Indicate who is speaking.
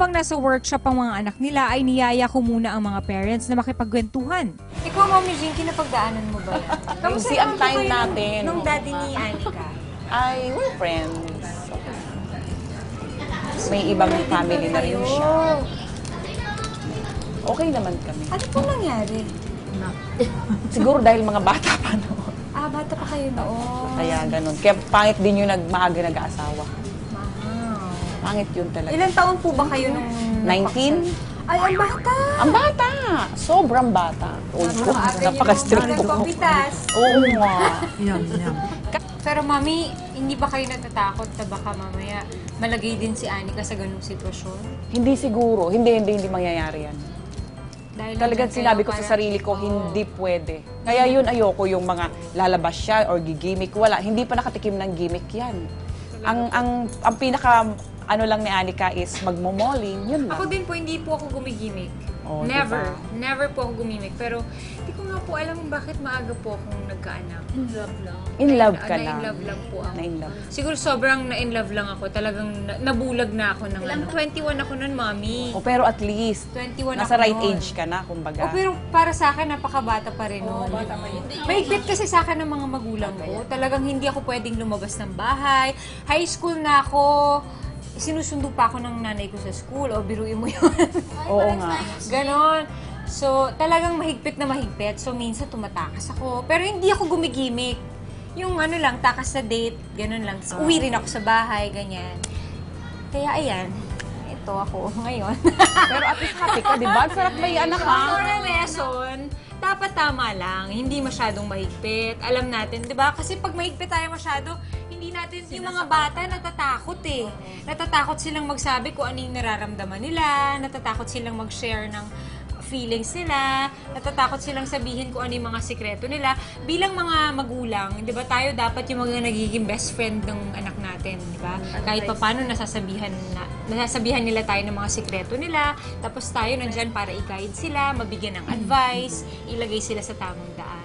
Speaker 1: habang nasa workshop ang mga anak nila ay niyaya ko muna ang mga parents na makipagkwentuhan.
Speaker 2: Ikaw, Mami Jinky, napagdaanan mo ba yan?
Speaker 3: Kasi ang time natin.
Speaker 2: Nung daddy ni Anika.
Speaker 3: Ay, we're friends. May ibang family na rin siya. Okay naman kami.
Speaker 2: Ano po nangyari?
Speaker 3: Siguro dahil mga bata pa noon.
Speaker 2: Bata pa kayo noon.
Speaker 3: Kaya ganun. Kaya pangit din yung maaga nag-aasawa.
Speaker 2: Wow.
Speaker 3: Pangit yun talaga.
Speaker 2: Ilan taon po ba kayo nung...
Speaker 3: 19?
Speaker 2: Ay, ang bata!
Speaker 3: Ang bata! Sobrang bata. Napaka-strict ko.
Speaker 2: Nagpapitas.
Speaker 3: Oo nga.
Speaker 2: Pero Mami, hindi ba kayo natatakot na baka mamaya malagay din si Anika sa ganung sitwasyon?
Speaker 3: Hindi siguro. Hindi mangyayari yan.
Speaker 2: Dahil
Speaker 3: Talagang sinabi ko sa sarili ko, hindi pwede. Kaya yun, ayoko yung mga lalabas siya or gigimik. Wala, hindi pa nakatikim ng gimmick yan. Ang pinaka, ano lang ni Anika is magmomoling, yun lang.
Speaker 2: Ako din po, hindi po ako gumigimik.
Speaker 3: Oh,
Speaker 2: Never.
Speaker 3: diba?
Speaker 2: Never po ako gumimik. Pero hindi ko nga po alam bakit maaga po akong nagkaanak. In love lang.
Speaker 3: In love ka
Speaker 2: Na
Speaker 3: lang.
Speaker 2: in love lang po ako.
Speaker 3: Na in love.
Speaker 2: Siguro sobrang na-in love lang ako. Talagang nabulag na ako ng ano. 21 ako nun, Mami.
Speaker 3: O pero at least,
Speaker 2: 21
Speaker 3: nasa
Speaker 2: ako
Speaker 3: right
Speaker 2: nun.
Speaker 3: age ka na, kumbaga.
Speaker 2: Pero para sa akin, napakabata pa rin nun. Mahigpit kasi sa akin ng mga magulang ko. Talagang hindi ako pwedeng lumabas ng bahay. High school na ako. Sinusundo pa ako ng nanay ko sa school. O, biruin mo yun.
Speaker 3: Oo nga.
Speaker 2: Ganon. So, talagang mahigpit na mahigpit. So, minsan tumatakas ako. Pero hindi ako gumigimik. Yung ano lang, takas sa date, ganon lang. So, uwi rin ako sa bahay, ganyan. Kaya ayan, ito ako ngayon.
Speaker 3: Pero at least happy ka, di ba? Sarap may anak ka.
Speaker 2: For a lesson, dapat tama lang. Hindi masyadong mahigpit. Alam natin, di ba? Kasi pag mahigpit tayo masyado, hindi natin, yung mga bata natatakot eh. Natatakot silang magsabi kung ano yung nararamdaman nila, natatakot silang mag-share ng feelings nila, natatakot silang sabihin kung ano yung mga sikreto nila. Bilang mga magulang, di ba tayo dapat yung mga nagiging best friend ng anak natin, di ba? Kahit pa paano nasasabihan nila tayo ng mga sikreto nila, tapos tayo nandyan para i-guide sila, mabigyan ng advice, ilagay sila sa tamang daan.